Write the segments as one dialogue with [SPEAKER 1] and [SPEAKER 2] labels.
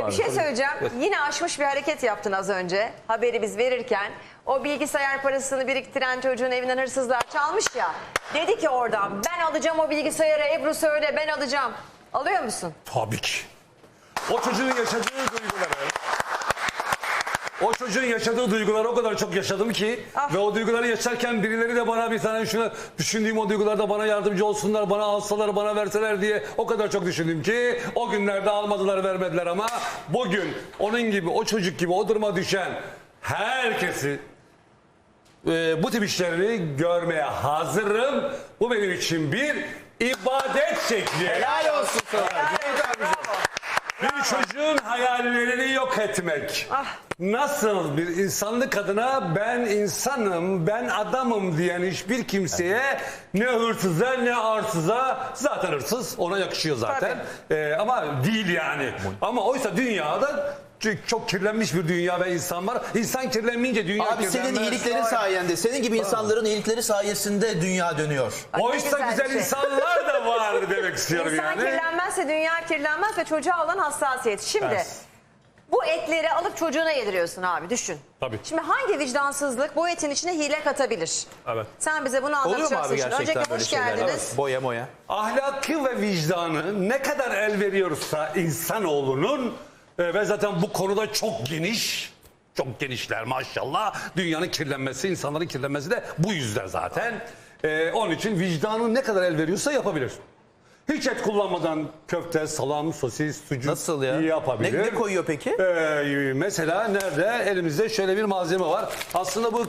[SPEAKER 1] Bir şey söyleyeceğim. Yine aşmış bir hareket yaptın az önce. Haberi biz verirken. O bilgisayar parasını biriktiren çocuğun evinden hırsızlar çalmış ya. Dedi ki oradan ben alacağım o bilgisayarı, Ebru söyle ben alacağım. Alıyor musun?
[SPEAKER 2] Tabii ki. O çocuğun yaşadığı duyguları... O çocuğun yaşadığı duyguları o kadar çok yaşadım ki ve o duyguları yaşarken birileri de bana bir tane şunu düşündüğüm o duygularda bana yardımcı olsunlar, bana alsalar, bana verseler diye o kadar çok düşündüm ki o günlerde almadılar, vermediler ama bugün onun gibi, o çocuk gibi o duruma düşen herkesi bu tip işlerini görmeye hazırım. Bu benim için bir ibadet şekli.
[SPEAKER 3] Helal olsun sana.
[SPEAKER 2] Bir çocuğun hayallerini yok etmek. Nasıl bir insanlık adına ben insanım, ben adamım diyen hiçbir kimseye ne hırsıza ne arsıza, zaten hırsız ona yakışıyor zaten. Ama değil yani. Ama oysa dünyada çok kirlenmiş bir dünya ve insan var. İnsan kirlenmeyince dünya
[SPEAKER 3] Abi senin iyiliklerin sayende, senin gibi insanların iyilikleri sayesinde dünya dönüyor.
[SPEAKER 2] Oysa güzel
[SPEAKER 1] şey.
[SPEAKER 2] insanlar da var demek istiyorum
[SPEAKER 1] İnsan
[SPEAKER 2] yani.
[SPEAKER 1] kirlenmezse dünya kirlenmez ve çocuğa olan hassasiyet. Şimdi
[SPEAKER 2] Evet.
[SPEAKER 1] bu etleri alıp çocuğuna yediriyorsun abi düşün.
[SPEAKER 2] Tabii.
[SPEAKER 1] Şimdi hangi vicdansızlık bu etin içine hile katabilir?
[SPEAKER 2] Evet.
[SPEAKER 1] Sen bize bunu
[SPEAKER 3] Oluyor mu
[SPEAKER 1] anlatacaksın.
[SPEAKER 3] abi
[SPEAKER 1] Şimdi.
[SPEAKER 3] gerçekten
[SPEAKER 1] Öncelikle
[SPEAKER 3] böyle
[SPEAKER 1] hoş
[SPEAKER 3] şeyler?
[SPEAKER 1] geldiniz.
[SPEAKER 3] Evet. Boya moya.
[SPEAKER 2] Ahlakı ve vicdanı ne kadar el veriyorsa insanoğlunun ve zaten bu konuda çok geniş, çok genişler maşallah. Dünyanın kirlenmesi, insanların kirlenmesi de bu yüzden zaten. Onun için vicdanı ne kadar el veriyorsa yapabilir. Hiç et kullanmadan köfte, salam, sosis, sucuk
[SPEAKER 3] Nasıl ya?
[SPEAKER 2] yapabilir.
[SPEAKER 3] Ne koyuyor peki?
[SPEAKER 2] Mesela nerede? Elimizde şöyle bir malzeme var. Aslında bu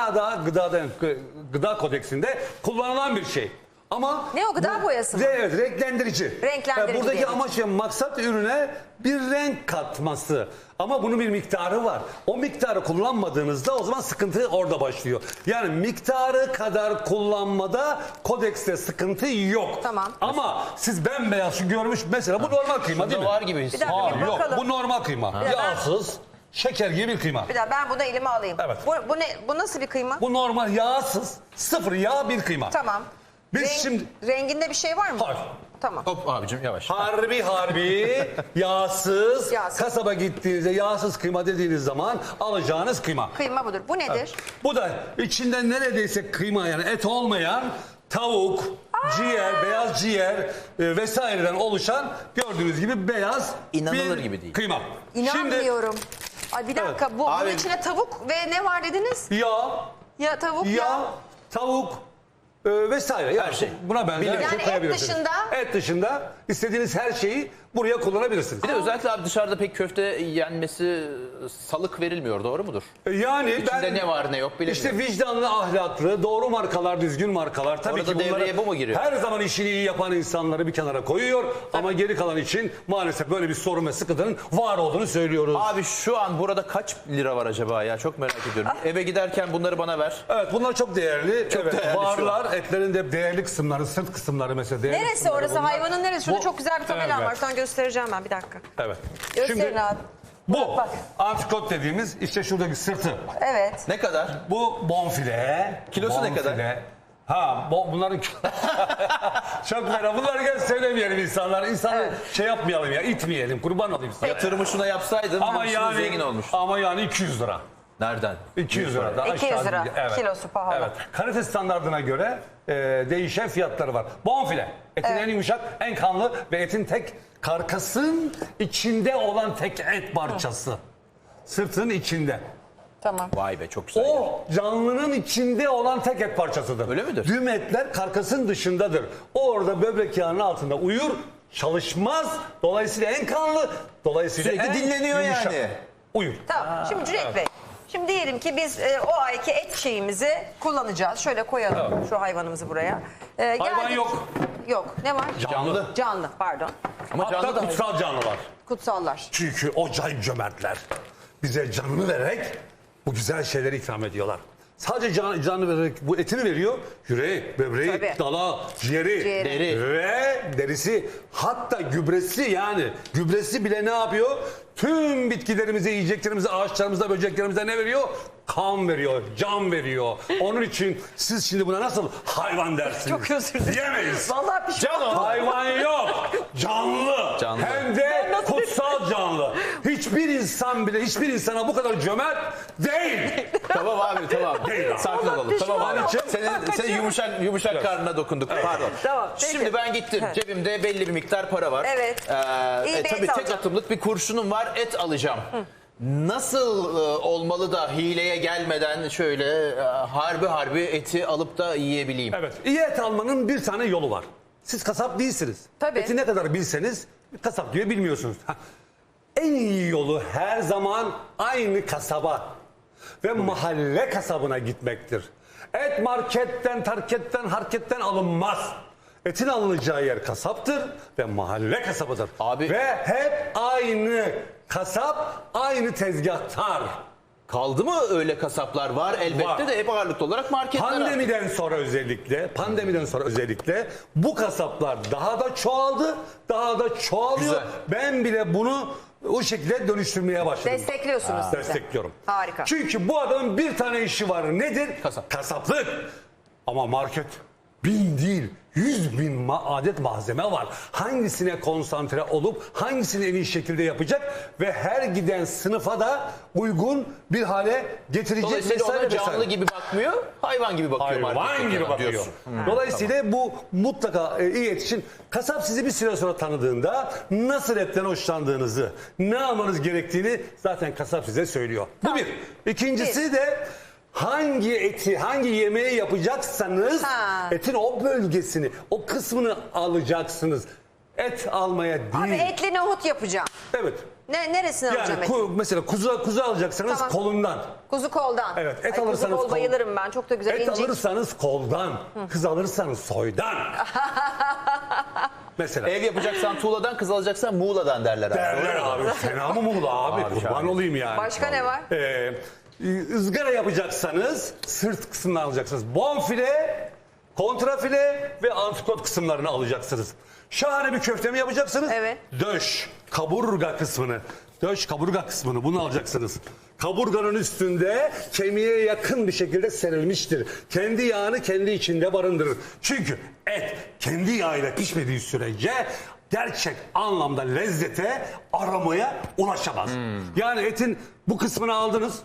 [SPEAKER 2] gıda kodeksinde kullanılan bir şey. Ama
[SPEAKER 1] Ne o, gıda boyası mı?
[SPEAKER 2] Evet, renklendirici.
[SPEAKER 1] Renklendirici
[SPEAKER 2] Buradaki
[SPEAKER 1] diyelim.
[SPEAKER 2] amaç ve maksat ürüne bir renk katması. Ama bunun bir miktarı var. O miktarı kullanmadığınızda o zaman sıkıntı orada başlıyor. Yani miktarı kadar kullanmada kodekste sıkıntı yok.
[SPEAKER 1] Tamam.
[SPEAKER 2] Ama siz bembeyaz şu görmüş mesela bu normal kıyma değil mi?
[SPEAKER 3] var gibi.
[SPEAKER 1] Bir dakika
[SPEAKER 2] Hayır,
[SPEAKER 1] bir
[SPEAKER 2] yok
[SPEAKER 1] bakalım.
[SPEAKER 2] bu normal kıyma. Yağsız, şeker gibi bir kıyma.
[SPEAKER 1] Bir daha ben bunu elime alayım.
[SPEAKER 2] Evet.
[SPEAKER 1] Bu nasıl bir kıyma?
[SPEAKER 2] Bu normal yağsız, sıfır yağ bir kıyma.
[SPEAKER 1] Tamam.
[SPEAKER 2] Biz şimdi...
[SPEAKER 1] Renginde bir şey var mı?
[SPEAKER 2] Hayır.
[SPEAKER 1] Tamam.
[SPEAKER 3] Hop abicim yavaş.
[SPEAKER 2] Harbi yağsız,
[SPEAKER 1] Yağsız.
[SPEAKER 2] kasaba gittiğinizde yağsız kıyma dediğiniz zaman alacağınız kıyma.
[SPEAKER 1] Kıyma budur. Bu nedir?
[SPEAKER 2] Bu da içinde neredeyse kıyma yani et olmayan tavuk, ciğer, beyaz ciğer vesaireden oluşan gördüğünüz gibi beyaz
[SPEAKER 3] İnanılır
[SPEAKER 2] bir
[SPEAKER 3] gibi değil.
[SPEAKER 2] kıyma.
[SPEAKER 1] İnanmıyorum. Ay bir dakika bunun
[SPEAKER 3] Abi-
[SPEAKER 1] içine tavuk ve ne var dediniz?
[SPEAKER 2] Şimdi yağ,
[SPEAKER 1] Ya
[SPEAKER 2] yağ, tavuk vesaire. Yani
[SPEAKER 3] şey.
[SPEAKER 2] buna benzer her
[SPEAKER 1] Yani
[SPEAKER 2] şey
[SPEAKER 1] et
[SPEAKER 2] koyabilirsiniz.
[SPEAKER 1] dışında?
[SPEAKER 2] Et dışında istediğiniz her şeyi buraya kullanabilirsiniz.
[SPEAKER 3] Bir de özellikle abi dışarıda pek köfte yenmesi salık verilmiyor, doğru mudur?
[SPEAKER 2] Yani
[SPEAKER 3] İçinde ne var ne yok bilemiyorum.
[SPEAKER 2] İşte vicdanlı, ahlaklı, doğru markalar, düzgün markalar. Tabii
[SPEAKER 3] Orada
[SPEAKER 2] ki
[SPEAKER 3] devreye
[SPEAKER 2] bunları
[SPEAKER 3] bu mu giriyor?
[SPEAKER 2] her zaman işini iyi yapan insanları bir kenara koyuyor. Ama geri kalan için maalesef böyle bir sorun ve sıkıntının var olduğunu söylüyoruz.
[SPEAKER 3] Abi şu an burada kaç lira var acaba ya? Çok merak ediyorum. Eve giderken bunları bana ver.
[SPEAKER 2] Evet bunlar çok değerli.
[SPEAKER 3] Çok
[SPEAKER 2] evet,
[SPEAKER 3] değerli şu
[SPEAKER 2] varlar. Etlerin de değerli kısımları, sırt kısımları mesela değerli
[SPEAKER 1] Neresi
[SPEAKER 2] kısımları
[SPEAKER 1] orası?
[SPEAKER 2] bunlar.
[SPEAKER 1] Hayvanın neresi? Şurada
[SPEAKER 2] Bu-
[SPEAKER 1] çok güzel bir tabelam
[SPEAKER 2] Evet.
[SPEAKER 1] var. Sana göstereceğim ben bir dakika.
[SPEAKER 2] Evet.
[SPEAKER 1] Gösterin
[SPEAKER 2] Şimdi
[SPEAKER 1] abi.
[SPEAKER 2] bu
[SPEAKER 1] Bak.
[SPEAKER 2] antrikot dediğimiz işte şuradaki sırtı.
[SPEAKER 1] Evet.
[SPEAKER 3] Ne kadar?
[SPEAKER 2] Bu bonfile.
[SPEAKER 3] Kilosu ne kadar?
[SPEAKER 2] Ha bunların çok merak. Bunları gel söylemeyelim insanlar. İnsanı şey yapmayalım ya, itmeyelim. Kurban olayım size.
[SPEAKER 3] Yatırımı şuna yapsaydın
[SPEAKER 2] Ama yani
[SPEAKER 3] zengin olmuş.
[SPEAKER 2] Ama yani 200 lira.
[SPEAKER 3] Nereden?
[SPEAKER 2] 200 lira. Daha
[SPEAKER 1] 200
[SPEAKER 2] aşağı
[SPEAKER 1] lira.
[SPEAKER 2] değil. Evet.
[SPEAKER 1] Kilosu pahalı.
[SPEAKER 2] Evet. Kalite standartına göre değişen fiyatları var. Bonfile. Etin en yumuşak, en kanlı ve etin tek karkasın içinde olan tek et parçası. Sırtın içinde.
[SPEAKER 1] Tamam.
[SPEAKER 3] Vay be çok güzel. ya.
[SPEAKER 2] O canlının içinde olan tek et parçasıdır.
[SPEAKER 3] Öyle midir?
[SPEAKER 2] Tüm etler karkasın dışındadır. O orada böbrek yağının altında uyur, çalışmaz. Dolayısıyla en kanlı, dolayısıyla
[SPEAKER 3] Sürekli
[SPEAKER 2] en
[SPEAKER 3] dinleniyor
[SPEAKER 2] yumuşak.
[SPEAKER 3] yani.
[SPEAKER 2] Uyur.
[SPEAKER 1] Tamam. Şimdi Cüneyt Bey. Şimdi diyelim ki biz o ayki et şeyimizi kullanacağız. Şöyle koyalım şu hayvanımızı buraya.
[SPEAKER 2] Hayvan
[SPEAKER 1] Geldik-
[SPEAKER 2] yok.
[SPEAKER 1] Yok. Ne var?
[SPEAKER 3] Canlı.
[SPEAKER 1] Canlı. Pardon.
[SPEAKER 3] Ama canlı
[SPEAKER 2] Hatta
[SPEAKER 3] da
[SPEAKER 2] kutsal canlılar.
[SPEAKER 1] Kutsallar.
[SPEAKER 2] Çünkü o cömertler bize canını vererek bu güzel şeyleri ikram ediyorlar. Sadece canını vererek bu etini veriyor. Yüreği, böbreği,
[SPEAKER 1] Tabii.
[SPEAKER 2] dala, ciğeri,
[SPEAKER 3] Deri.
[SPEAKER 2] ve derisi, hatta gübresi, yani gübresi bile ne yapıyor? Tüm bitkilerimize, yiyeceklerimize, ağaçlarımıza, böceklerimize ne veriyor? Kan veriyor, can veriyor. Onun için siz şimdi buna nasıl hayvan dersiniz?
[SPEAKER 1] Çok özür dilerim.
[SPEAKER 2] Diyemeyiz.
[SPEAKER 1] Vallahi pişman oldum.
[SPEAKER 2] Hayvan yok. Canlı.
[SPEAKER 3] Canlı.
[SPEAKER 2] Hem de kutsal canlı. Hiçbir insan bile hiçbir insana bu kadar cömert değil.
[SPEAKER 3] Tamam abi tamam. Sakin olalım. Tamam abi.
[SPEAKER 1] pişman oldum.
[SPEAKER 3] Senin yumuşak karnına dokunduk. Pardon.
[SPEAKER 1] Tamam, peki.
[SPEAKER 3] Şimdi ben gittim. Cebimde belli bir miktar para var.
[SPEAKER 1] Evet. İyi bir
[SPEAKER 3] Tabii
[SPEAKER 1] et
[SPEAKER 3] tek
[SPEAKER 1] alacağım.
[SPEAKER 3] atımlık bir kurşunum var. Et alacağım. Nasıl olmalı da hileye gelmeden şöyle harbi eti alıp da yiyebileyim?
[SPEAKER 2] Evet. İyi et almanın bir tane yolu var. Siz kasap değilsiniz.
[SPEAKER 1] Tabii.
[SPEAKER 2] Eti ne kadar bilseniz kasap gibi bilmiyorsunuz. En iyi yolu her zaman aynı kasaba ve mahalle kasabına gitmektir. Et marketten, harketten alınmaz. Etin alınacağı yer kasaptır ve mahalle kasabıdır.
[SPEAKER 3] Abi-
[SPEAKER 2] Ve hep aynı kasap, aynı tezgahtar.
[SPEAKER 3] Kaldı mı öyle kasaplar? Var elbette
[SPEAKER 2] Var.
[SPEAKER 3] de hep ağırlıklı olarak marketler.
[SPEAKER 2] Pandemiden sonra özellikle bu kasaplar daha da çoğaldı, daha da çoğalıyor.
[SPEAKER 3] Güzel.
[SPEAKER 2] Ben bile bunu o şekilde dönüştürmeye başladım.
[SPEAKER 1] Destekliyorsunuz siz de.
[SPEAKER 2] Destekliyorum.
[SPEAKER 1] Harika.
[SPEAKER 2] Çünkü bu adamın bir tane işi var. Nedir?
[SPEAKER 3] Kasap.
[SPEAKER 2] Kasaplık. Ama market 1000 değil 100.000 adet malzeme var. Hangisine konsantre olup hangisini en iyi şekilde yapacak ve her giden sınıfa da uygun bir hale getirecek.
[SPEAKER 3] Dolayısıyla ona
[SPEAKER 2] vesaire
[SPEAKER 3] canlı
[SPEAKER 2] vesaire.
[SPEAKER 3] gibi bakmıyor, hayvan gibi bakıyor
[SPEAKER 2] Hayvan
[SPEAKER 3] marketteki
[SPEAKER 2] gibi
[SPEAKER 3] adam
[SPEAKER 2] bakıyor.
[SPEAKER 3] diyorsun.
[SPEAKER 2] Dolayısıyla bu mutlaka iyi et için kasap sizi bir süre sonra tanıdığında nasıl etten hoşlandığınızı, ne almanız gerektiğini zaten kasap size söylüyor. Bu bir. İkincisi de hangi eti, hangi yemeği yapacaksanız etin o bölgesini, o kısmını alacaksınız. Et almaya değil.
[SPEAKER 1] Abi etli nohut yapacağım.
[SPEAKER 2] Evet.
[SPEAKER 1] Neresini alacağım
[SPEAKER 2] Yani
[SPEAKER 1] eti?
[SPEAKER 2] mesela kuzu alacaksanız
[SPEAKER 1] Tamam.
[SPEAKER 2] kolundan.
[SPEAKER 1] Kuzu koldan.
[SPEAKER 2] Evet, et
[SPEAKER 1] Ay,
[SPEAKER 2] alırsanız
[SPEAKER 1] kuzu kol
[SPEAKER 2] kol.
[SPEAKER 1] bayılırım ben. Çok da güzel
[SPEAKER 2] Et
[SPEAKER 1] incik.
[SPEAKER 2] alırsanız koldan, kız alırsanız soydan. Mesela.
[SPEAKER 3] Ev yapacaksan tuğladan, kız alacaksan muğladan derler abi.
[SPEAKER 2] Derler abi. Fena mı Muğla abi? Kurban
[SPEAKER 3] şahane.
[SPEAKER 2] olayım yani.
[SPEAKER 1] Başka ne var?
[SPEAKER 2] Izgara yapacaksanız sırt kısmını alacaksınız. Bonfile, kontrafile ve antrikot kısımlarını alacaksınız. Şahane bir köfte mi yapacaksınız?
[SPEAKER 1] Evet.
[SPEAKER 2] Döş, kaburga kısmını. Döş, kaburga kısmını bunu alacaksınız. Kaburganın üstünde kemiğe yakın bir şekilde serilmiştir. Kendi yağını kendi içinde barındırır. Çünkü et kendi yağıyla pişmediği sürece gerçek anlamda lezzete, aramaya ulaşamaz. Yani etin bu kısmını aldınız.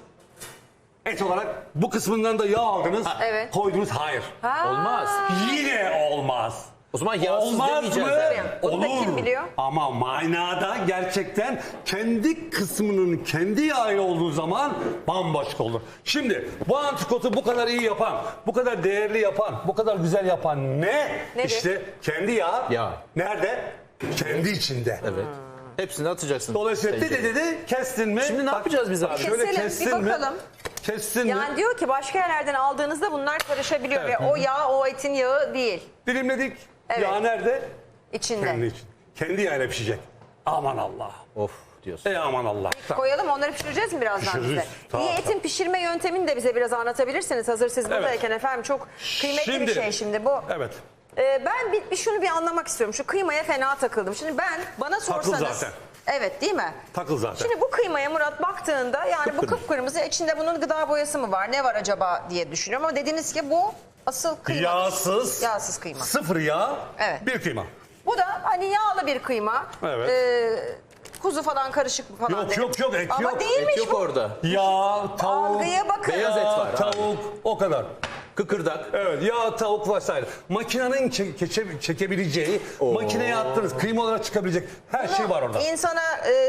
[SPEAKER 2] Et olarak bu kısmından da yağ aldınız.
[SPEAKER 1] Evet.
[SPEAKER 2] Koydunuz. Hayır.
[SPEAKER 3] Olmaz.
[SPEAKER 2] Yine olmaz.
[SPEAKER 3] O zaman yağsız
[SPEAKER 2] Olmaz
[SPEAKER 3] demeyeceğiz.
[SPEAKER 2] mı?
[SPEAKER 3] yani.
[SPEAKER 1] Bunu da
[SPEAKER 2] Olur.
[SPEAKER 1] kim biliyor?
[SPEAKER 2] Ama manada gerçekten kendi kısmının kendi yağı olduğu zaman bambaşka olur. Şimdi bu antrikotu bu kadar iyi yapan, bu kadar değerli yapan, bu kadar güzel yapan ne?
[SPEAKER 1] Nedir?
[SPEAKER 2] İşte kendi yağı.
[SPEAKER 3] Yağ.
[SPEAKER 2] Nerede? Kendi içinde.
[SPEAKER 3] Evet. Hepsini atacaksın.
[SPEAKER 2] Dolayısıyla dedi kestin mi?
[SPEAKER 3] Şimdi ne yapacağız biz abi?
[SPEAKER 2] Şöyle
[SPEAKER 1] Keselim, bir
[SPEAKER 2] kestin mi?
[SPEAKER 1] bakalım.
[SPEAKER 2] Kestin mi?
[SPEAKER 1] Yani diyor ki başka yerlerden aldığınızda bunlar karışabiliyor
[SPEAKER 2] Evet.
[SPEAKER 1] ve o yağ o etin yağı değil.
[SPEAKER 2] Dilimledik.
[SPEAKER 1] Evet.
[SPEAKER 2] Yağ nerede?
[SPEAKER 1] İçinde.
[SPEAKER 2] Kendi için. Kendi yağıyla pişecek. Aman Allah.
[SPEAKER 3] Of diyorsun.
[SPEAKER 2] Aman Allah.
[SPEAKER 1] Koyalım onları pişireceğiz mi birazdan
[SPEAKER 2] Pişiririz.
[SPEAKER 1] bize?
[SPEAKER 2] Tamam,
[SPEAKER 1] İyi etin
[SPEAKER 2] tamam.
[SPEAKER 1] pişirme yöntemini de bize biraz anlatabilirsiniz. Hazır siz buradayken efendim çok kıymetli bir şey şimdi bu.
[SPEAKER 2] Evet.
[SPEAKER 1] Ben şunu bir anlamak istiyorum. Şu kıymaya fena takıldım. Şimdi bana sorsanız.
[SPEAKER 2] zaten.
[SPEAKER 1] Evet değil mi?
[SPEAKER 2] Takıl zaten.
[SPEAKER 1] Şimdi bu kıymaya Murat baktığında yani bu kıpkırmızı içinde bunun gıda boyası mı var? Ne var acaba diye düşünüyorum ama dediniz ki bu asıl kıyma.
[SPEAKER 2] Yağsız.
[SPEAKER 1] Yağsız kıyma.
[SPEAKER 2] Sıfır yağ.
[SPEAKER 1] Evet.
[SPEAKER 2] Bir kıyma.
[SPEAKER 1] Bu da hani yağlı bir kıyma.
[SPEAKER 2] Evet.
[SPEAKER 1] Kuzu falan karışık falan.
[SPEAKER 2] Yok,
[SPEAKER 1] dedim.
[SPEAKER 2] yok, yok, et
[SPEAKER 1] Ama
[SPEAKER 2] yok.
[SPEAKER 1] değilmiş
[SPEAKER 3] Et yok
[SPEAKER 1] bu.
[SPEAKER 3] orada.
[SPEAKER 2] Yağ, tavuk.
[SPEAKER 1] Algıya bakın.
[SPEAKER 3] Beyaz et var abi.
[SPEAKER 2] Tavuk o kadar.
[SPEAKER 3] Kıkırdak.
[SPEAKER 2] Evet, yağ, tavuk vesaire. Makinenin çekebileceği, makineye attınız kıyma olarak çıkabilecek her şey var orada.
[SPEAKER 1] İnsana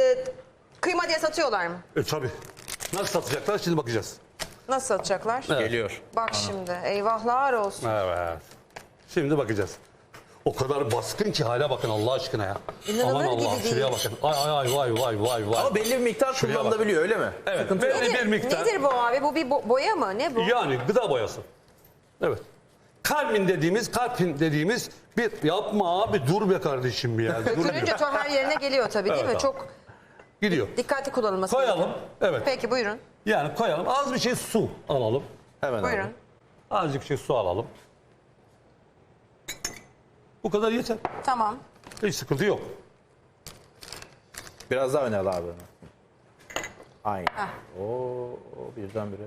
[SPEAKER 1] kıyma diye satıyorlar mı?
[SPEAKER 2] Tabii. Nasıl satacaklar şimdi bakacağız.
[SPEAKER 1] Nasıl satacaklar?
[SPEAKER 3] Geliyor.
[SPEAKER 1] Bak şimdi eyvahlar olsun.
[SPEAKER 2] Evet. Şimdi bakacağız. O kadar baskın ki hale bakın Allah aşkına ya.
[SPEAKER 1] İnanılır
[SPEAKER 2] Aman
[SPEAKER 1] gibi
[SPEAKER 2] Allah
[SPEAKER 1] değil.
[SPEAKER 2] şuraya bakın. Ay vay.
[SPEAKER 3] Ama belli bir miktar
[SPEAKER 2] Şuraya bak.
[SPEAKER 3] kullanılabiliyor öyle mi?
[SPEAKER 2] Evet.
[SPEAKER 3] Sıkıntı yok.
[SPEAKER 2] belli bir miktar.
[SPEAKER 1] Nedir bu abi? Bu bir boya mı? Ne bu?
[SPEAKER 2] Yani gıda boyası. Evet. Kalpin dediğimiz bir yapma abi dur be kardeşim ya. Dur
[SPEAKER 1] Kırınca to her yerine geliyor tabii değil
[SPEAKER 2] Evet
[SPEAKER 1] mi?
[SPEAKER 2] abi.
[SPEAKER 1] Çok
[SPEAKER 2] Gidiyor.
[SPEAKER 1] dikkatli kullanılması
[SPEAKER 2] Koyalım.
[SPEAKER 1] gerekiyor.
[SPEAKER 2] Evet.
[SPEAKER 1] Peki buyurun.
[SPEAKER 2] Yani koyalım. Az bir şey su alalım.
[SPEAKER 3] Hemen
[SPEAKER 1] Buyurun.
[SPEAKER 3] abi.
[SPEAKER 2] Azıcık şey su alalım. Bu kadar yeter.
[SPEAKER 1] Tamam.
[SPEAKER 2] Hiç sıkıntı yok.
[SPEAKER 3] Biraz daha öne al abi. Aynen. Oo, birdenbire.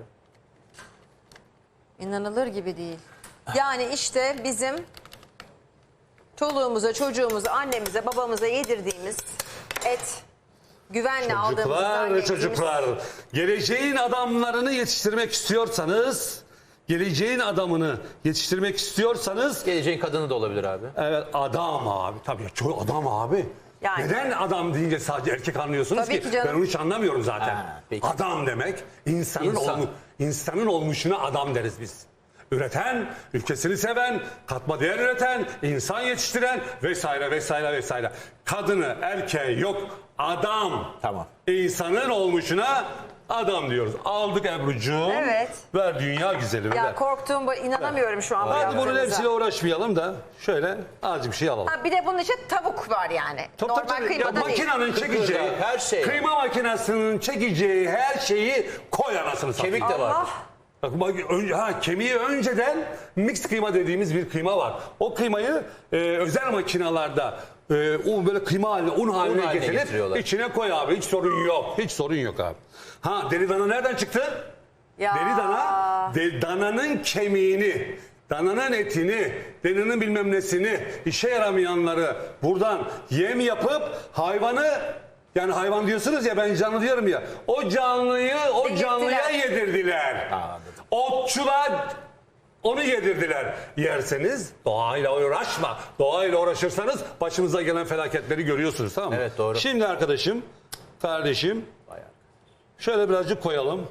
[SPEAKER 1] İnanılır gibi değil. Yani işte bizim çoluğumuza, çocuğumuza, annemize, babamıza yedirdiğimiz et güvenle aldığımızı
[SPEAKER 2] Çocuklar,
[SPEAKER 1] zannettiğimiz...
[SPEAKER 2] çocuklar, geleceğin adamlarını yetiştirmek istiyorsanız, geleceğin adamını yetiştirmek istiyorsanız,
[SPEAKER 3] Geleceğin kadını da olabilir abi.
[SPEAKER 2] evet adam abi, tabii çoğu adam abi.
[SPEAKER 1] Yani.
[SPEAKER 2] Neden adam deyince sadece erkek anlıyorsunuz
[SPEAKER 1] Tabii ki canım.
[SPEAKER 2] Ben onu hiç anlamıyorum zaten.
[SPEAKER 3] Peki.
[SPEAKER 2] Adam demek insanın
[SPEAKER 3] İnsan.
[SPEAKER 2] insanın olmuşuna adam deriz biz. Üreten, ülkesini seven, katma değer üreten, insan yetiştiren vesaire vesaire vesaire. Kadını, erkeği yok, adam.
[SPEAKER 3] Tamam.
[SPEAKER 2] İnsanın olmuşuna adam diyoruz. Aldık Ebru'cuğum.
[SPEAKER 1] Evet.
[SPEAKER 2] Ver dünya güzelimi
[SPEAKER 1] Ya
[SPEAKER 2] ver.
[SPEAKER 1] korktuğum bu, inanamıyorum şu an bu
[SPEAKER 2] Hadi bunun
[SPEAKER 1] yaptığınıza.
[SPEAKER 2] hepsiyle uğraşmayalım da şöyle azıcık bir şey alalım.
[SPEAKER 1] Ha, bir de bunun için tavuk var yani. Normal kıymada değil.
[SPEAKER 2] Makinenin çekeceği,
[SPEAKER 3] her şey.
[SPEAKER 2] kıyma makinesinin çekeceği her şeyi koy anasını satayım.
[SPEAKER 3] Kemik de var.
[SPEAKER 1] Allah.
[SPEAKER 2] Bak, kemiği önceden mix kıyma dediğimiz bir kıyma var. O kıymayı özel makinalarda o böyle kıyma haline, un haline
[SPEAKER 3] haline
[SPEAKER 2] getirip
[SPEAKER 3] getiriyorlar.
[SPEAKER 2] içine koy abi. Hiç sorun yok. Hiç sorun yok abi. Ha, deri dana nereden çıktı?
[SPEAKER 1] Ya.
[SPEAKER 2] Deri dana, dananın kemiğini, dananın etini, dananın bilmem nesini, işe yaramayanları buradan yem yapıp hayvanı, yani hayvan diyorsunuz ya, ben canlı diyorum ya, o canlıyı o
[SPEAKER 1] Yedirdiler.
[SPEAKER 2] canlıya yedirdiler.
[SPEAKER 3] Anladım.
[SPEAKER 2] Otçular onu yedirdiler. Yerseniz doğayla uğraşma. Doğayla uğraşırsanız başımıza gelen felaketleri görüyorsunuz, tamam mı?
[SPEAKER 3] Evet, doğru.
[SPEAKER 2] Şimdi arkadaşım, kardeşim,
[SPEAKER 3] Bayağı.
[SPEAKER 2] şöyle birazcık koyalım.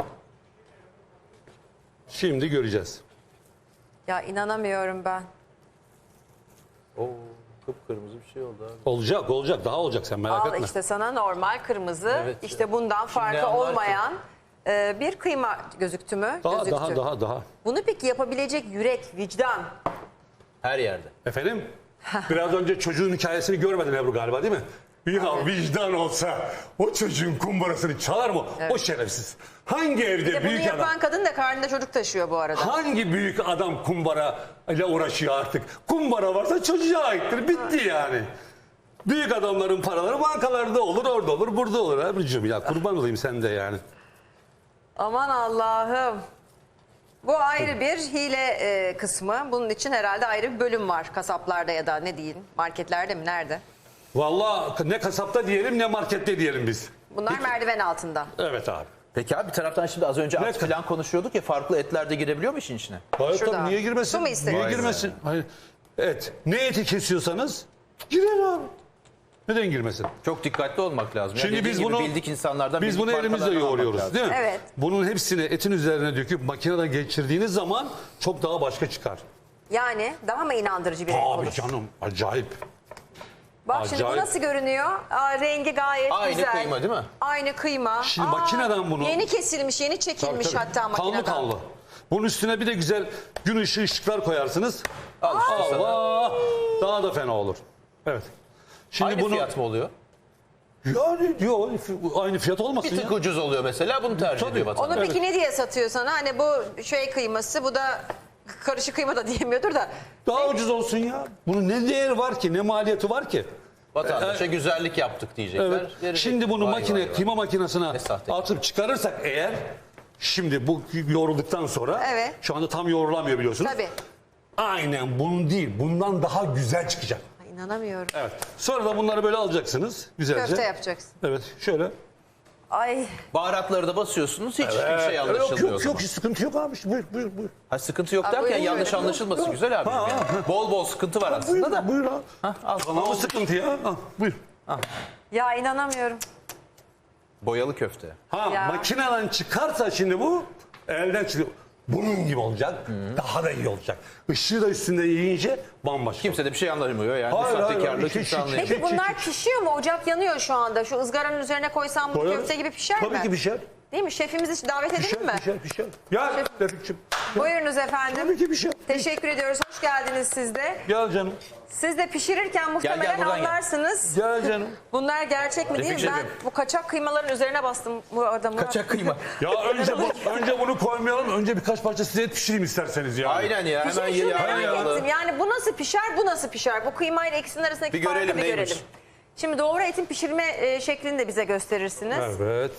[SPEAKER 2] Şimdi göreceğiz.
[SPEAKER 1] Ya inanamıyorum ben.
[SPEAKER 3] Oo, kıpkırmızı bir şey oldu abi.
[SPEAKER 2] Olacak, olacak. Daha olacak, sen merak
[SPEAKER 1] Al
[SPEAKER 2] etme.
[SPEAKER 1] işte sana normal kırmızı,
[SPEAKER 3] Evet.
[SPEAKER 1] işte bundan farkı
[SPEAKER 3] anlar ki.
[SPEAKER 1] olmayan bir kıyma gözüktü mü?
[SPEAKER 2] Daha,
[SPEAKER 1] Gözüktü.
[SPEAKER 2] daha.
[SPEAKER 1] Bunu peki yapabilecek yürek, vicdan.
[SPEAKER 3] Her yerde.
[SPEAKER 2] Efendim? Biraz önce çocuğun hikayesini görmedin Ebru galiba, değil mi? Ya vicdan olsa o çocuğun kumbarasını çalar mı? O şerefsiz. Hangi evde
[SPEAKER 1] Bir de bunu
[SPEAKER 2] büyük
[SPEAKER 1] yapan
[SPEAKER 2] adam?
[SPEAKER 1] kadın da karnında çocuk taşıyor bu arada.
[SPEAKER 2] Hangi büyük adam kumbara ile uğraşıyor artık? Kumbara varsa çocuğa aittir. Bitti yani. Büyük adamların paraları bankalarda olur, orada olur, burada olur. Ebru'cum ya, kurban olayım sen de yani.
[SPEAKER 1] Aman Allah'ım. Bu ayrı bir hile kısmı. Bunun için herhalde ayrı bir bölüm var kasaplarda ya da ne diyeyim, marketlerde mi, nerede?
[SPEAKER 2] Vallahi ne kasapta diyelim ne markette diyelim biz.
[SPEAKER 1] Bunlar merdiven altında.
[SPEAKER 2] Evet abi.
[SPEAKER 3] Peki abi, bir taraftan şimdi az önce
[SPEAKER 2] Ne-
[SPEAKER 3] at falan konuşuyorduk ya, farklı etler de girebiliyor mu işin içine?
[SPEAKER 2] Hayır
[SPEAKER 1] Şurada.
[SPEAKER 2] tabii, niye girmesin?
[SPEAKER 1] Su mu istedin?
[SPEAKER 2] Niye
[SPEAKER 3] Vay be.
[SPEAKER 2] girmesin? Hayır. Evet. Ne eti kesiyorsanız girer abi. Neden girmesin?
[SPEAKER 3] Çok dikkatli olmak lazım.
[SPEAKER 2] Şimdi
[SPEAKER 3] Dediğin
[SPEAKER 2] biz
[SPEAKER 3] gibi
[SPEAKER 2] bunu
[SPEAKER 3] bildik insanlardan,
[SPEAKER 2] biz
[SPEAKER 3] bildik
[SPEAKER 2] bunu elimizle
[SPEAKER 3] markalardan almak
[SPEAKER 2] yoğuruyoruz,
[SPEAKER 3] lazım.
[SPEAKER 2] değil mi?
[SPEAKER 1] Evet.
[SPEAKER 2] Bunun hepsini etin üzerine döküp makineden geçirdiğiniz zaman çok daha başka çıkar.
[SPEAKER 1] Yani daha mı inandırıcı bir renk
[SPEAKER 2] Abi
[SPEAKER 1] olur?
[SPEAKER 2] canım, acayip.
[SPEAKER 1] Bak şimdi bu
[SPEAKER 2] acayip.
[SPEAKER 1] nasıl görünüyor? Aa, rengi gayet
[SPEAKER 3] Aynı
[SPEAKER 1] güzel.
[SPEAKER 3] kıyma değil mi?
[SPEAKER 1] Aynı kıyma.
[SPEAKER 2] Şimdi makineden bunu-
[SPEAKER 1] Yeni kesilmiş, yeni çekilmiş
[SPEAKER 2] Tabii, tabii.
[SPEAKER 1] hatta makineden.
[SPEAKER 2] Kanlı kanlı. Bunun üstüne bir de güzel gün ışığı ışıklar koyarsınız.
[SPEAKER 3] Al işte sana.
[SPEAKER 2] Allah! Daha da fena olur. Evet. Şimdi
[SPEAKER 3] Aynı
[SPEAKER 2] bunu
[SPEAKER 3] fiyat mı oluyor?
[SPEAKER 2] yani diyor aynı fiyat olmasın
[SPEAKER 3] Bir
[SPEAKER 2] ya.
[SPEAKER 3] tık ucuz oluyor mesela, bunu tercih
[SPEAKER 2] Tabii.
[SPEAKER 3] ediyor vatandaş.
[SPEAKER 1] Onu peki ne diye satıyor sana? Hani bu şey kıyması, bu da karışık kıyma da diyemiyordur da.
[SPEAKER 2] Daha ucuz olsun ya. Bunun ne değeri var ki? Ne maliyeti var ki?
[SPEAKER 3] Vatandaşa güzellik yaptık diyecekler.
[SPEAKER 2] Evet.
[SPEAKER 3] Verecek.
[SPEAKER 2] Şimdi bunu
[SPEAKER 3] Vay
[SPEAKER 2] makine,
[SPEAKER 3] vay vay.
[SPEAKER 2] kıyma makinesine
[SPEAKER 3] Ne sahte.
[SPEAKER 2] atıp çıkarırsak eğer, şimdi bu yoğrulduktan sonra,
[SPEAKER 1] Evet.
[SPEAKER 2] şu anda tam yoğrulamıyor biliyorsunuz.
[SPEAKER 1] Tabii.
[SPEAKER 2] Aynen bunun değil, bundan daha güzel çıkacak.
[SPEAKER 1] Ay, İnanamıyorum.
[SPEAKER 2] Evet. Sonra da bunları böyle alacaksınız güzelce.
[SPEAKER 1] Köfte yapacaksın.
[SPEAKER 2] Evet, şöyle.
[SPEAKER 1] Ay
[SPEAKER 3] Baharatları da basıyorsunuz, hiç hiçbir şey
[SPEAKER 2] yok
[SPEAKER 3] anlaşılmıyor. o
[SPEAKER 2] yok
[SPEAKER 3] zaman.
[SPEAKER 2] yok, sıkıntı yok abi. Buyur buyur buyur.
[SPEAKER 3] Ha, sıkıntı yok
[SPEAKER 1] Ha,
[SPEAKER 3] derken
[SPEAKER 1] buyurun,
[SPEAKER 3] yanlış
[SPEAKER 1] buyurun.
[SPEAKER 3] anlaşılması güzel abi.
[SPEAKER 2] Ha,
[SPEAKER 3] Yani bol bol sıkıntı var
[SPEAKER 2] Buyur,
[SPEAKER 3] aslında da.
[SPEAKER 2] buyur abi.
[SPEAKER 3] Al,
[SPEAKER 2] Ama bu sıkıntı ya. Ha, buyur.
[SPEAKER 1] ya inanamıyorum.
[SPEAKER 3] Boyalı köfte.
[SPEAKER 2] Ha,
[SPEAKER 1] Ya.
[SPEAKER 2] makineden çıkarsa şimdi bu elden çıkıyor. Bunun gibi olacak. Daha da iyi olacak. Işığı da üstünde yiyince bambaşka.
[SPEAKER 3] Kimse de bir şey anlamıyor yani.
[SPEAKER 2] Hayır,
[SPEAKER 3] Bu
[SPEAKER 2] hayır,
[SPEAKER 3] sahtekarlığı
[SPEAKER 2] hayır.
[SPEAKER 3] kimse anlayamıyor.
[SPEAKER 1] Peki bunlar pişiyor mu? Ocak yanıyor şu anda. Şu ızgaranın üzerine koysam bu
[SPEAKER 2] Koyarız.
[SPEAKER 1] köfte gibi pişer mi?
[SPEAKER 2] Tabii ki pişer.
[SPEAKER 1] Değil mi? Şefimizi hiç davet edelim
[SPEAKER 2] Pişer,
[SPEAKER 1] mi?
[SPEAKER 2] pişer. Gel Refik'ciğim.
[SPEAKER 1] Buyurunuz efendim.
[SPEAKER 2] Tabii ki pişer.
[SPEAKER 1] Teşekkür ediyoruz. Hoş geldiniz siz de.
[SPEAKER 2] Gel canım.
[SPEAKER 1] Siz de pişirirken muhtemelen
[SPEAKER 3] buradan gel.
[SPEAKER 1] anlarsınız.
[SPEAKER 2] Gel canım.
[SPEAKER 1] Bunlar gerçek mi değil mi?
[SPEAKER 3] Refikciğim.
[SPEAKER 1] Ben bu kaçak kıymaların üzerine bastım bu arada. Murat.
[SPEAKER 3] Kaçak kıyma.
[SPEAKER 2] Ya önce bunu koymayalım. Önce birkaç parça size et pişireyim isterseniz yani.
[SPEAKER 3] Aynen ya, hemen
[SPEAKER 1] Şimdi şunu
[SPEAKER 3] yeni
[SPEAKER 1] merak
[SPEAKER 3] ayarlı.
[SPEAKER 1] ettim. Yani bu nasıl pişer, bu nasıl pişer? Bu kıymayla ikisinin arasındaki
[SPEAKER 3] Bir
[SPEAKER 1] farkı
[SPEAKER 3] görelim,
[SPEAKER 1] bir
[SPEAKER 3] neymiş?
[SPEAKER 1] görelim. Şimdi doğru etin pişirme şeklini de bize gösterirsiniz.
[SPEAKER 2] Evet.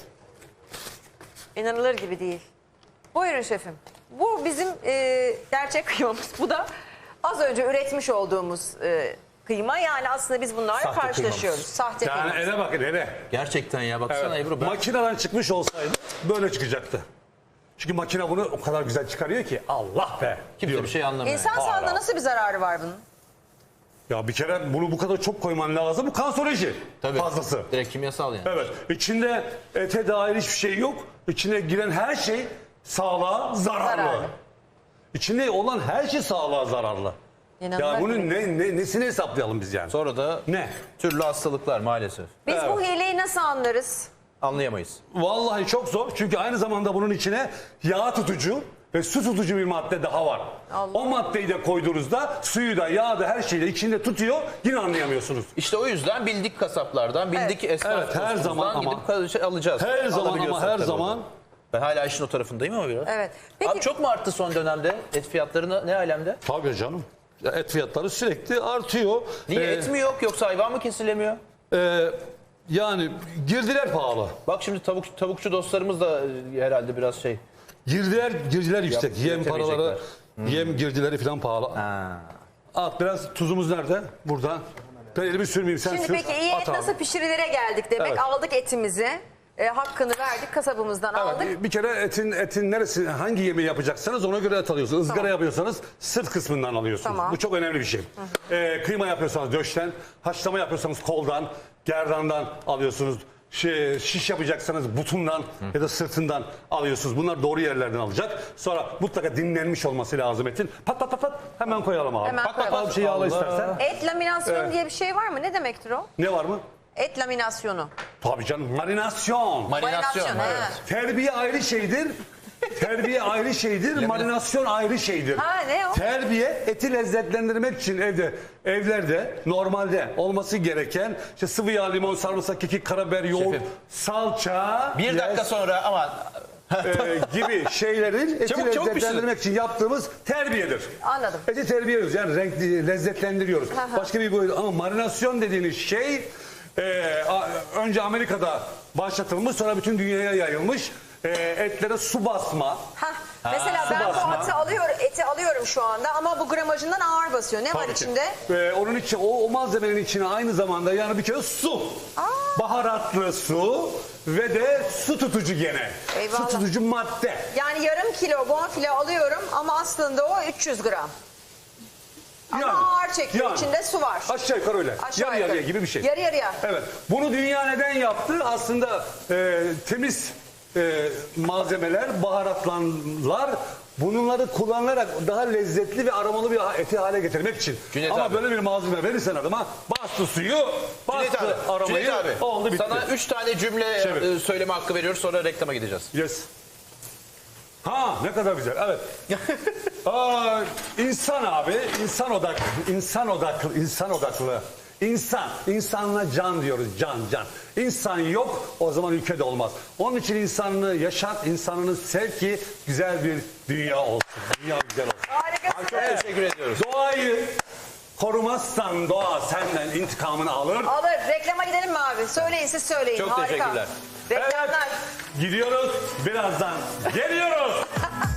[SPEAKER 1] İnanılır gibi değil. Buyurun şefim. Bu bizim gerçek kıymamız. Bu da az önce üretmiş olduğumuz kıyma. Yani aslında biz bunlarla
[SPEAKER 3] Sahte
[SPEAKER 1] karşılaşıyoruz.
[SPEAKER 3] kıymamız.
[SPEAKER 1] Sahte
[SPEAKER 2] Yani
[SPEAKER 1] kıymamız.
[SPEAKER 2] ele bakın ele.
[SPEAKER 3] Gerçekten ya baksana Ebru. Ben...
[SPEAKER 2] Makineden çıkmış olsaydı böyle çıkacaktı. Çünkü makine bunu o kadar güzel çıkarıyor ki Allah be.
[SPEAKER 3] Kimse
[SPEAKER 2] diyorum.
[SPEAKER 3] bir şey anlamıyor.
[SPEAKER 1] İnsan sağlığına nasıl bir zararı var bunun?
[SPEAKER 2] Ya bir kere bunu bu kadar çok koyman lazım. Bu kanseroji
[SPEAKER 3] Tabii.
[SPEAKER 2] fazlası.
[SPEAKER 3] Direkt kimyasal yani.
[SPEAKER 2] Evet. İçinde ete dair hiçbir şey yok. İçine giren her şey sağlığa zararlı.
[SPEAKER 1] Zararlı.
[SPEAKER 2] İçinde olan her şey sağlığa zararlı.
[SPEAKER 1] İnanılmaz
[SPEAKER 2] Ya bunun
[SPEAKER 1] bir-
[SPEAKER 2] nesini hesaplayalım biz yani?
[SPEAKER 3] Sonra da
[SPEAKER 2] Ne?
[SPEAKER 3] türlü hastalıklar maalesef.
[SPEAKER 1] Biz bu
[SPEAKER 2] Evet.
[SPEAKER 1] hileyi nasıl anlarız?
[SPEAKER 3] Anlayamayız.
[SPEAKER 2] Vallahi çok zor. Çünkü aynı zamanda bunun içine yağ tutucu ve su tutucu bir madde daha var.
[SPEAKER 1] Allah.
[SPEAKER 2] O maddeyi de koyduğunuzda suyu da yağı da her şeyi de içinde tutuyor. Yine anlayamıyorsunuz.
[SPEAKER 3] İşte o yüzden bildik kasaplardan, bildik esnaf
[SPEAKER 2] Evet, her
[SPEAKER 3] dostumuzdan
[SPEAKER 2] zaman ama-
[SPEAKER 3] gidip alacağız.
[SPEAKER 2] Her zaman ama
[SPEAKER 3] Alabiliyorsak
[SPEAKER 2] her
[SPEAKER 3] tabii
[SPEAKER 2] zaman
[SPEAKER 3] onu. Ben hala işin o tarafındayım ama biraz.
[SPEAKER 1] Evet. Peki
[SPEAKER 3] Abi çok mu arttı son dönemde et fiyatları ne alemde?
[SPEAKER 2] tabii canım. Et fiyatları sürekli artıyor.
[SPEAKER 3] Niye et mi yok yoksa hayvan mı kesilemiyor?
[SPEAKER 2] Yani girdiler pahalı.
[SPEAKER 3] Bak şimdi tavukçu dostlarımız da herhalde biraz şey.
[SPEAKER 2] Girdiler yüksek. Yem
[SPEAKER 3] üretemeyecekler.
[SPEAKER 2] paraları, yem girdileri falan pahalı. At biraz tuzumuz nerede? Burada. Ben elimi sürmeyeyim sen
[SPEAKER 1] şimdi
[SPEAKER 2] sür.
[SPEAKER 1] peki iyi et
[SPEAKER 2] At abi.
[SPEAKER 1] nasıl pişirilere geldik demek.
[SPEAKER 2] Evet.
[SPEAKER 1] Aldık etimizi. Hakkını verdik kasabımızdan aldık.
[SPEAKER 2] Evet, bir kere etin neresi, hangi yemeği yapacaksanız ona göre et alıyorsunuz. Izgara yapıyorsanız sırt kısmından alıyorsunuz.
[SPEAKER 1] Tamam.
[SPEAKER 2] Bu çok önemli bir şey. Kıyma yapıyorsanız döşten, haşlama yapıyorsanız koldan, gerdandan alıyorsunuz. Şiş yapacaksanız butundan ya da sırtından alıyorsunuz. Bunlar doğru yerlerden alacak. Sonra mutlaka dinlenmiş olması lazım etin. Pat pat pat pat hemen koyalım abi.
[SPEAKER 1] Hemen
[SPEAKER 2] Pat pat
[SPEAKER 1] koyalım.
[SPEAKER 2] al bir şey yağla
[SPEAKER 3] Allah.
[SPEAKER 2] istersen.
[SPEAKER 1] Et laminasyonu diye bir şey var mı? Ne demektir o?
[SPEAKER 2] Ne var mı?
[SPEAKER 1] Et laminasyonu.
[SPEAKER 2] Tabii canım marinasyon.
[SPEAKER 3] Marinasyon.
[SPEAKER 1] he.
[SPEAKER 2] Terbiye ayrı şeydir. Terbiye ayrı şeydir, marinasyon ayrı şeydir.
[SPEAKER 1] Ha, ne o?
[SPEAKER 2] Terbiye eti lezzetlendirmek için evlerde normalde olması gereken işte sıvı yağ, limon, sarımsak, kekik, karabiber, yoğurt,
[SPEAKER 3] Şefim.
[SPEAKER 2] salça,
[SPEAKER 3] Bir dakika sonra ama
[SPEAKER 2] gibi şeylerin eti
[SPEAKER 3] Çabuk, çabuk
[SPEAKER 2] lezzetlendirmek için yaptığımız terbiyedir.
[SPEAKER 1] Anladım.
[SPEAKER 2] Eti terbiye ediyoruz yani renkli, lezzetlendiriyoruz. Başka bir boyut ama marinasyon dediğiniz şey önce Amerika'da başlatılmış sonra bütün dünyaya yayılmış. Etlere su basma.
[SPEAKER 1] Hah, mesela
[SPEAKER 2] su
[SPEAKER 1] ben
[SPEAKER 2] basma.
[SPEAKER 1] bu eti alıyorum şu anda ama bu gramajından ağır basıyor. Ne var
[SPEAKER 2] Tabii ki.
[SPEAKER 1] içinde?
[SPEAKER 2] Onun için o malzemenin içine aynı zamanda yani bir kere su. Baharatlı su ve de su tutucu gene.
[SPEAKER 1] Eyvallah.
[SPEAKER 2] Su tutucu madde.
[SPEAKER 1] Yani yarım kilo bonfile alıyorum ama aslında o 300 gram. Ama
[SPEAKER 2] Yani,
[SPEAKER 1] ağır çekiyor.
[SPEAKER 2] yani.
[SPEAKER 1] İçinde su var.
[SPEAKER 2] Aşağı yukarı öyle.
[SPEAKER 1] Aşağı
[SPEAKER 2] Yarı yarıya
[SPEAKER 1] yukarı.
[SPEAKER 2] gibi bir şey.
[SPEAKER 1] Yarı yarıya.
[SPEAKER 2] Evet. Bunu dünya neden yaptı? Aslında temiz malzemeler, baharatlar bunları kullanarak daha lezzetli ve aromalı bir eti hale getirmek için.
[SPEAKER 3] Cüneyt
[SPEAKER 2] Ama
[SPEAKER 3] abi.
[SPEAKER 2] böyle bir malzeme verirsen adama bastı suyu,
[SPEAKER 3] Cüneyt
[SPEAKER 2] bastı
[SPEAKER 3] abi,
[SPEAKER 2] aromayı,
[SPEAKER 3] Cüneyt abi
[SPEAKER 2] oldu bitti.
[SPEAKER 3] sana 3 tane cümle
[SPEAKER 2] Çevir.
[SPEAKER 3] söyleme hakkı veriyoruz sonra reklama gideceğiz.
[SPEAKER 2] Yes. Ha ne kadar güzel. Evet. İnsan abi, insan odaklı. İnsanla can diyoruz. Can. İnsan yok o zaman ülkede olmaz. Onun için insanını yaşat, insanını sev ki güzel bir dünya olsun. Dünya güzel olsun.
[SPEAKER 1] Harikasın.
[SPEAKER 3] Çok teşekkür ediyoruz.
[SPEAKER 2] Doğayı korumazsan doğa senden intikamını alır.
[SPEAKER 1] Alır. Reklama gidelim mi abi? Söyleyin siz söyleyin.
[SPEAKER 3] Çok
[SPEAKER 1] Harika.
[SPEAKER 3] teşekkürler.
[SPEAKER 1] Reklamlar.
[SPEAKER 2] Gidiyoruz. Birazdan geliyoruz.